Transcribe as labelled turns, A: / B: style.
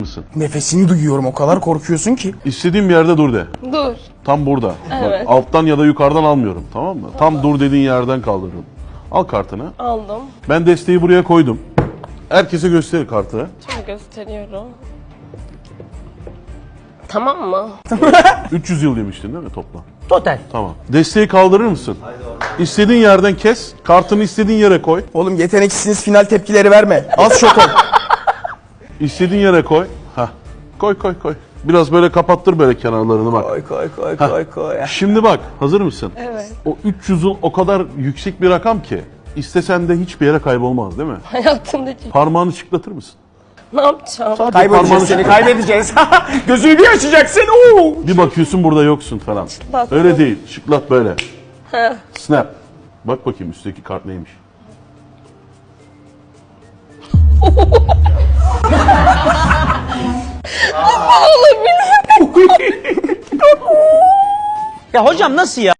A: mısın?
B: Nefesini duyuyorum, o kadar korkuyorsun ki.
A: İstediğim bir yerde dur de.
C: Dur.
A: Tam burada.
C: Evet.
A: Bak, alttan ya da yukarıdan almıyorum, tamam mı? Tam dur dediğin yerden kaldırıyorum. Al kartını.
C: Aldım.
A: Ben desteği buraya koydum. Herkese göster kartı.
C: Şöyle gösteriyorum. Tamam mı?
A: 300 yıl demiştin değil mi toplam?
B: Total.
A: Tamam. Desteği kaldırır mısın? İstediğin yerden kes. Kartını istediğin yere koy.
B: Oğlum yeteneksizsiniz, final tepkileri verme. Az şok ol.
A: İstediğin yere koy. Hah. Koy koy koy. Biraz böyle kapattır böyle kenarlarını bak.
B: Koy.
A: Şimdi bak, hazır mısın?
C: Evet.
A: O 300 yıl o kadar yüksek bir rakam ki istesen de hiçbir yere kaybolmaz değil mi?
C: Hayatımdaki
A: Parmağını şıklatır mısın?
C: ne yapacağım?
A: Sadece
B: Kaybedeceğiz
A: parmağını
B: seni,
A: şıklat.
B: kaybedeceğiz. Gözünü bir açacaksın. Oo.
A: Bir bakıyorsun burada yoksun falan.
C: Şıklat.
A: Öyle değil. Şıklat böyle.
C: Heh.
A: Snap. Bak bakayım üstteki kart neymiş.
D: Ya hocam nasıl ya?